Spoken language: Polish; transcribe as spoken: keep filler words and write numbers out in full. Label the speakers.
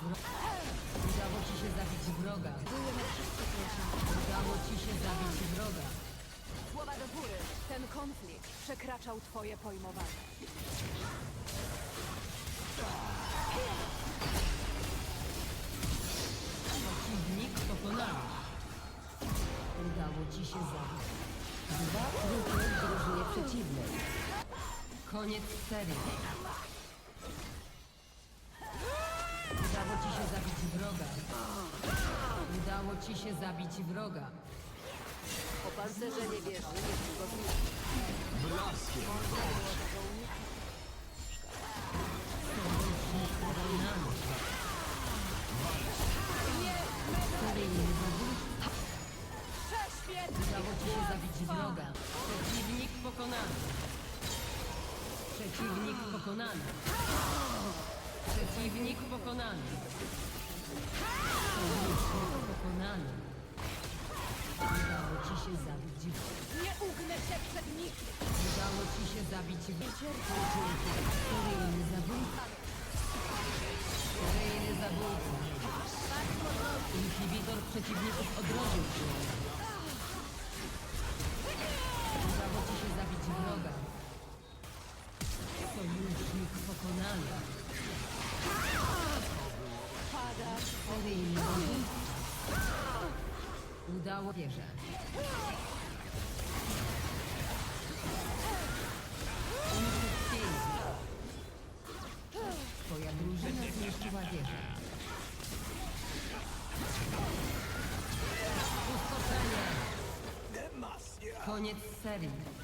Speaker 1: wroga. Udało ci się zabić wroga. Udało ci się zabić wroga.
Speaker 2: Słowa do góry. Ten konflikt przekraczał twoje pojmowanie.
Speaker 1: Przeciwnik pokonany. Udało ci się zabić dwa trupy w drużynie przeciwnej. Koniec serii. Udało ci się zabić wroga. Udało ci się zabić wroga.
Speaker 3: Opancerzenie wieży niedługo zniknie.
Speaker 4: Blaskiem!
Speaker 1: Sojusznik pokonany. Seryjny zabójca.
Speaker 2: Prześwietnie!
Speaker 1: Udało ci się zabić wroga. Przeciwnik pokonany. Przeciwnik pokonany. Przeciwnik pokonany. Sojusznik pokonany. Udało ci się zabić wroga.
Speaker 2: Nie ugnę się przed nikim!
Speaker 1: Udało ci się zabić wroga. Seryjny zabójca. Seryjny zabójca. Inhibitor przeciwników odrodził się. Udało ci się zabić wroga. Sojusznik pokonany.
Speaker 2: Padasz.
Speaker 1: Seryjny zabójca. Udało wieżę. Pięknie. Twoja drużyna zniszczyła wieżę. Uskoczenie. Koniec serii.